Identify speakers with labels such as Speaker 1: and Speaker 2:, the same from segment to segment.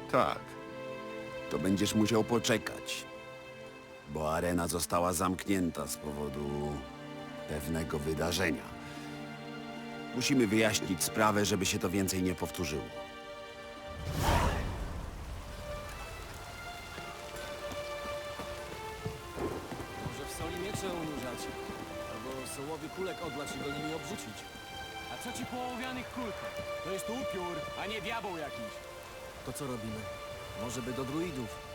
Speaker 1: Tak.
Speaker 2: To będziesz musiał poczekać, bo arena została zamknięta z powodu pewnego wydarzenia. Musimy wyjaśnić sprawę, żeby się to więcej nie powtórzyło.
Speaker 3: Może w soli miecze unurzać, albo sołowy kulek odlać i go nimi obrzucić.
Speaker 4: A co ci po ołowianych kulkach? To jest upiór, a nie diabeł jakiś.
Speaker 3: To co robimy? Może by do druidów?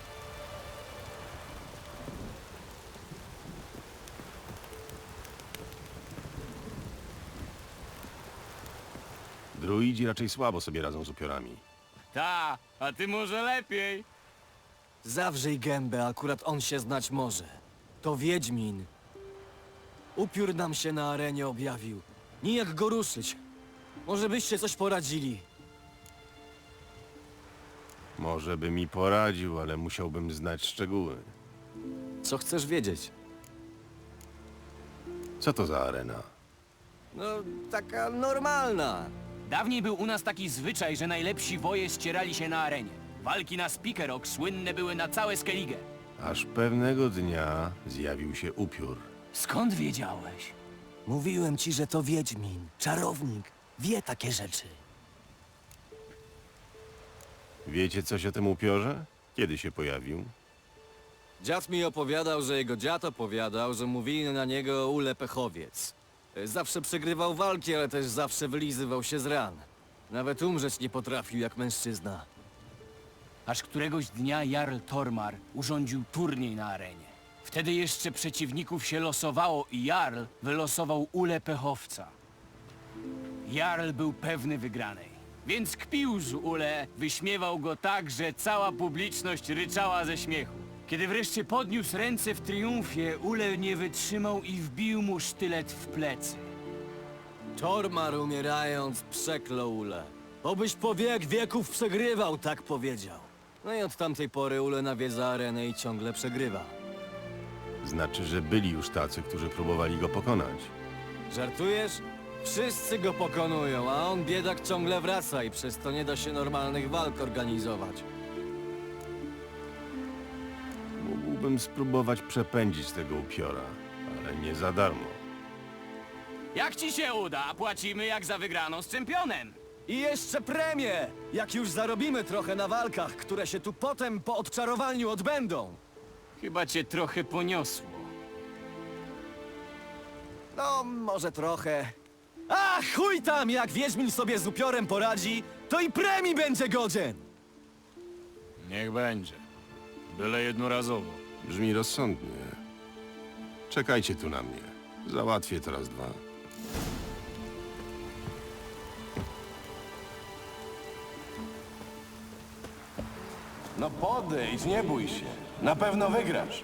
Speaker 1: Druidzi raczej słabo sobie radzą z upiorami.
Speaker 4: Ta, a ty może lepiej.
Speaker 3: Zawrzyj gębę, akurat on się znać może. To Wiedźmin. Upiór nam się na arenie objawił. Nijak go ruszyć. Może byście coś poradzili.
Speaker 1: Może by mi poradził, ale musiałbym znać szczegóły.
Speaker 3: Co chcesz wiedzieć?
Speaker 1: Co to za arena?
Speaker 3: No, taka normalna.
Speaker 4: Dawniej był u nas taki zwyczaj, że najlepsi woje ścierali się na arenie. Walki na Spikerok słynne były na całe Skellige.
Speaker 1: Aż pewnego dnia zjawił się upiór.
Speaker 4: Skąd wiedziałeś?
Speaker 3: Mówiłem ci, że to Wiedźmin. Czarownik. Wie takie rzeczy.
Speaker 1: Wiecie coś o tym upiorze? Kiedy się pojawił?
Speaker 3: Dziad mi opowiadał, że jego dziad opowiadał, że mówili na niego Ule Pechowiec. Zawsze przegrywał walki, ale też zawsze wylizywał się z ran. Nawet umrzeć nie potrafił jak mężczyzna.
Speaker 4: Aż któregoś dnia Jarl Tormar urządził turniej na arenie. Wtedy jeszcze przeciwników się losowało i Jarl wylosował Ulę Pechowca. Jarl był pewny wygranej, więc kpił z Ule, wyśmiewał go tak, że cała publiczność ryczała ze śmiechu. Kiedy wreszcie podniósł ręce w triumfie, Ule nie wytrzymał i wbił mu sztylet w plecy.
Speaker 3: Tormar umierając przeklął Ule. Obyś po wiek wieków przegrywał, tak powiedział. No i od tamtej pory Ule nawiedza arenę i ciągle przegrywa.
Speaker 1: Znaczy, że byli już tacy, którzy próbowali go pokonać.
Speaker 3: Żartujesz? Wszyscy go pokonują, a on biedak ciągle wraca i przez to nie da się normalnych walk organizować.
Speaker 1: Mógłbym spróbować przepędzić tego upiora, ale nie za darmo.
Speaker 4: Jak ci się uda, płacimy jak za wygraną z czempionem.
Speaker 3: I jeszcze premię! Jak już zarobimy trochę na walkach, które się tu potem po odczarowaniu odbędą.
Speaker 4: Chyba cię trochę poniosło.
Speaker 3: No, może trochę. A chuj tam, jak Wiedźmin sobie z upiorem poradzi, to i premii będzie godzien!
Speaker 5: Niech będzie. Byle jednorazowo.
Speaker 1: Brzmi rozsądnie. Czekajcie tu na mnie. Załatwię to raz, dwa.
Speaker 6: No podejdź, nie bój się. Na pewno wygrasz.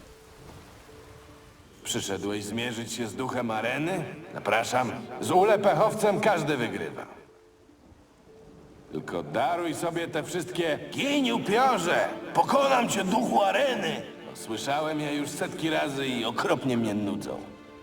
Speaker 6: Przyszedłeś zmierzyć się z duchem areny? Zapraszam. Z ulepechowcem każdy wygrywa. Tylko daruj sobie te wszystkie gień upiorze! Pokonam cię, duchu areny! No, słyszałem je już setki razy i okropnie mnie nudzą.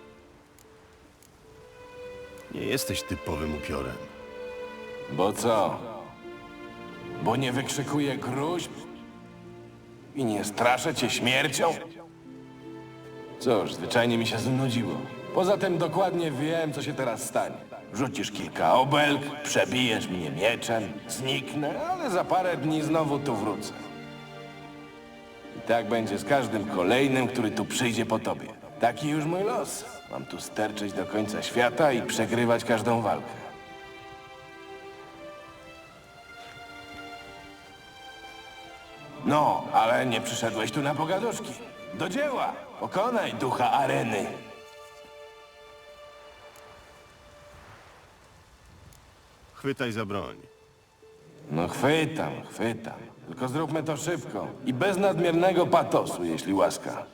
Speaker 1: Nie jesteś typowym upiorem.
Speaker 6: Bo co? Bo nie wykrzykuję gruźb? I nie straszę cię śmiercią? Cóż, zwyczajnie mi się znudziło. Poza tym dokładnie wiem, co się teraz stanie. Rzucisz kilka obelg, przebijesz mnie mieczem, zniknę, ale za parę dni znowu tu wrócę. I tak będzie z każdym kolejnym, który tu przyjdzie po tobie. Taki już mój los. Mam tu sterczeć do końca świata i przegrywać każdą walkę. No, ale nie przyszedłeś tu na pogaduszki. Do dzieła! Pokonaj ducha areny!
Speaker 1: Chwytaj za broń.
Speaker 6: No chwytam, chwytam. Tylko zróbmy to szybko i bez nadmiernego patosu, jeśli łaska.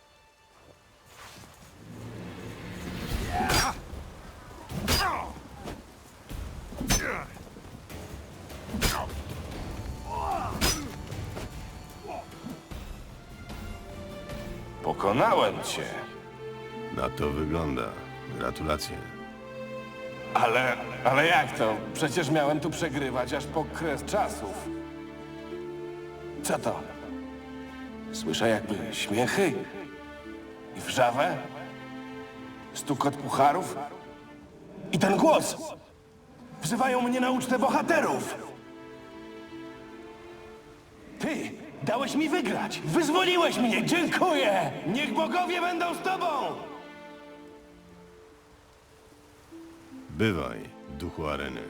Speaker 6: Pokonałem cię.
Speaker 1: Na to wygląda. Gratulacje.
Speaker 6: Ale jak to? Przecież miałem tu przegrywać aż po kres czasów. Co to? Słyszę jakby śmiechy i wrzawę, stukot pucharów i ten głos. Wzywają mnie na ucztę bohaterów. Ty dałeś mi wygrać. Wyzwoliłeś mnie. Dziękuję. Niech bogowie będą z tobą.
Speaker 1: Bywaj, duchu areny.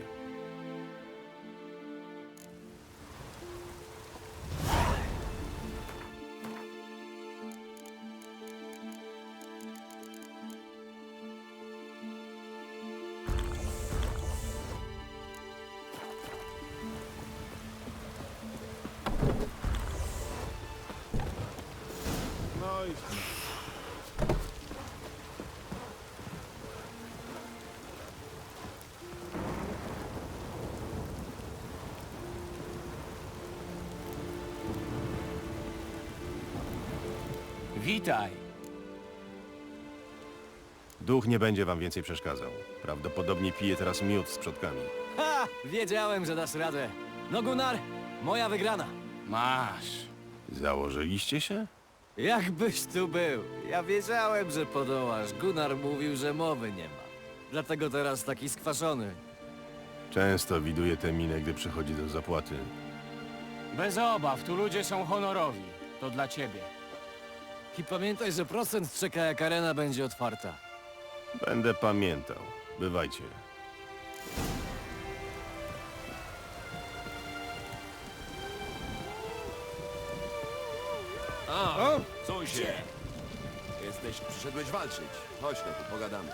Speaker 4: Witaj.
Speaker 1: Duch nie będzie wam więcej przeszkadzał. Prawdopodobnie pije teraz miód z przodkami.
Speaker 3: Ha! Wiedziałem, że dasz radę. No Gunnar, moja wygrana.
Speaker 4: Masz.
Speaker 1: Założyliście się?
Speaker 3: Jakbyś tu był. Ja wiedziałem, że podołasz. Gunnar mówił, że mowy nie ma. Dlatego teraz taki skwaszony.
Speaker 1: Często widuję tę minę, gdy przychodzi do zapłaty.
Speaker 4: Bez obaw, tu ludzie są honorowi. To dla ciebie.
Speaker 3: I pamiętaj, że procent czeka, jak arena będzie otwarta.
Speaker 1: Będę pamiętał. Bywajcie.
Speaker 2: Przyszedłeś walczyć. Chodź, no tu pogadamy.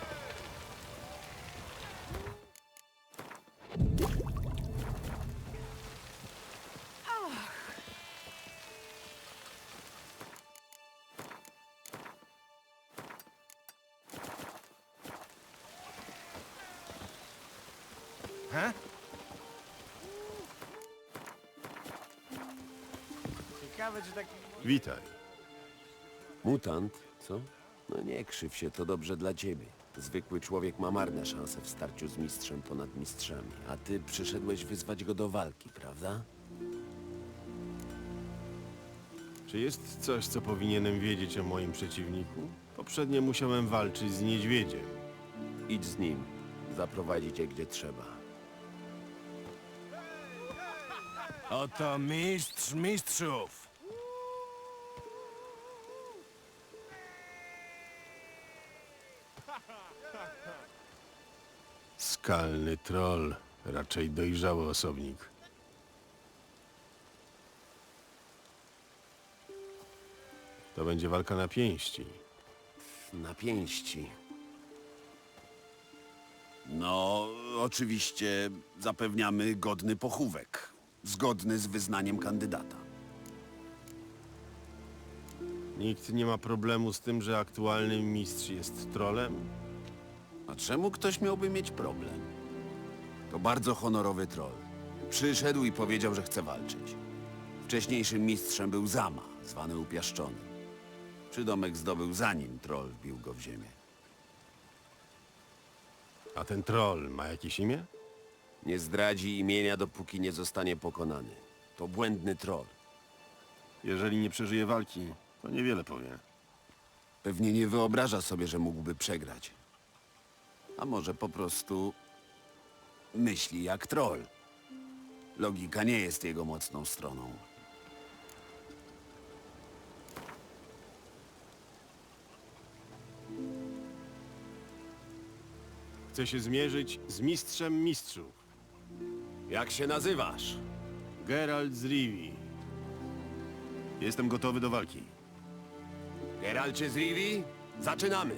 Speaker 1: Witaj.
Speaker 2: Mutant, co? No nie krzyw się, to dobrze dla ciebie. Zwykły człowiek ma marne szanse w starciu z mistrzem ponad mistrzami, a ty przyszedłeś wyzwać go do walki, prawda?
Speaker 1: Czy jest coś, co powinienem wiedzieć o moim przeciwniku? Poprzednio musiałem walczyć z niedźwiedziem.
Speaker 2: Idź z nim. Zaprowadzi cię gdzie trzeba.
Speaker 5: Oto mistrz mistrzów.
Speaker 1: Skalny troll. Raczej dojrzały osobnik. To będzie walka na pięści.
Speaker 2: Na pięści. No, oczywiście zapewniamy godny pochówek. Zgodny z wyznaniem kandydata.
Speaker 1: Nikt nie ma problemu z tym, że aktualny mistrz jest trolem?
Speaker 2: A czemu ktoś miałby mieć problem? To bardzo honorowy troll. Przyszedł i powiedział, że chce walczyć. Wcześniejszym mistrzem był Zama, zwany Upiaszczonym. Przydomek zdobył zanim troll wbił go w ziemię.
Speaker 1: A ten troll ma jakieś imię?
Speaker 2: Nie zdradzi imienia, dopóki nie zostanie pokonany. To błędny troll.
Speaker 1: Jeżeli nie przeżyje walki, to niewiele powie.
Speaker 2: Pewnie nie wyobraża sobie, że mógłby przegrać. A może po prostu myśli jak troll. Logika nie jest jego mocną stroną.
Speaker 1: Chce się zmierzyć z mistrzem mistrzów.
Speaker 2: Jak się nazywasz?
Speaker 1: Geralt z Rivii. Jestem gotowy do walki.
Speaker 2: Geralcie z Rivii? Zaczynamy!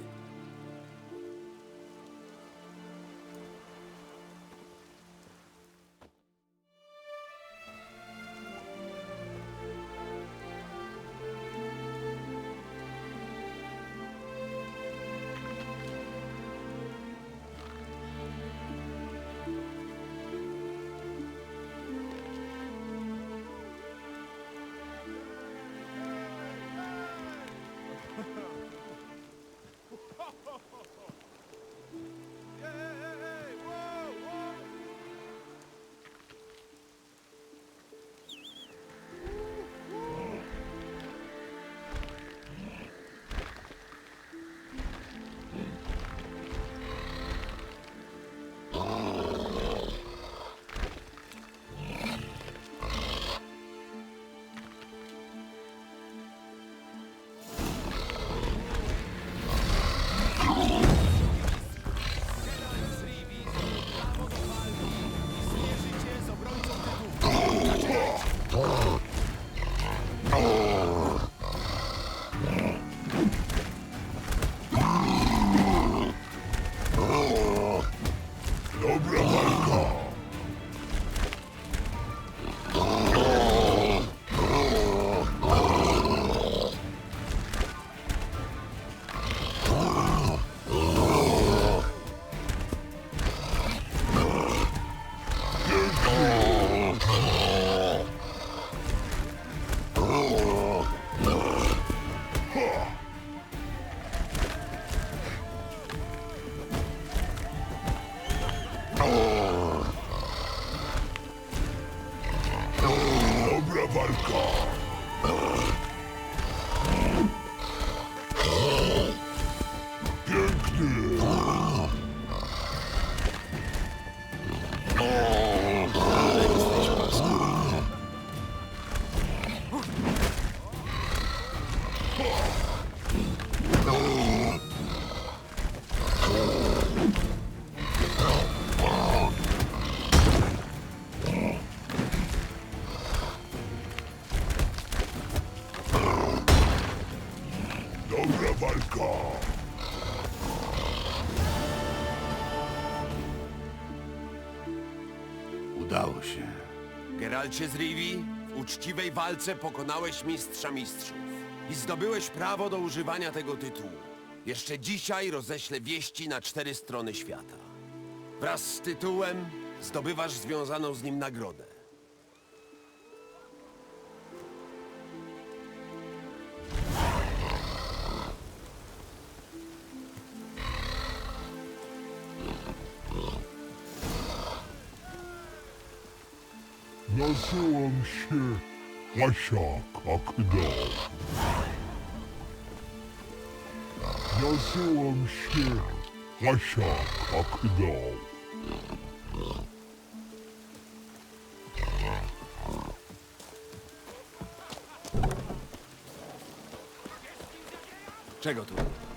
Speaker 1: Udało się.
Speaker 2: Geralcie z Rivi, w uczciwej walce pokonałeś mistrza mistrzów i zdobyłeś prawo do używania tego tytułu. Jeszcze dzisiaj roześlę wieści na 4 strony świata. Wraz z tytułem zdobywasz związaną z nim nagrodę.
Speaker 7: Nazywam się Łasiak Akdał. Nazywam się Łasiak Akdał.
Speaker 3: Czego tu?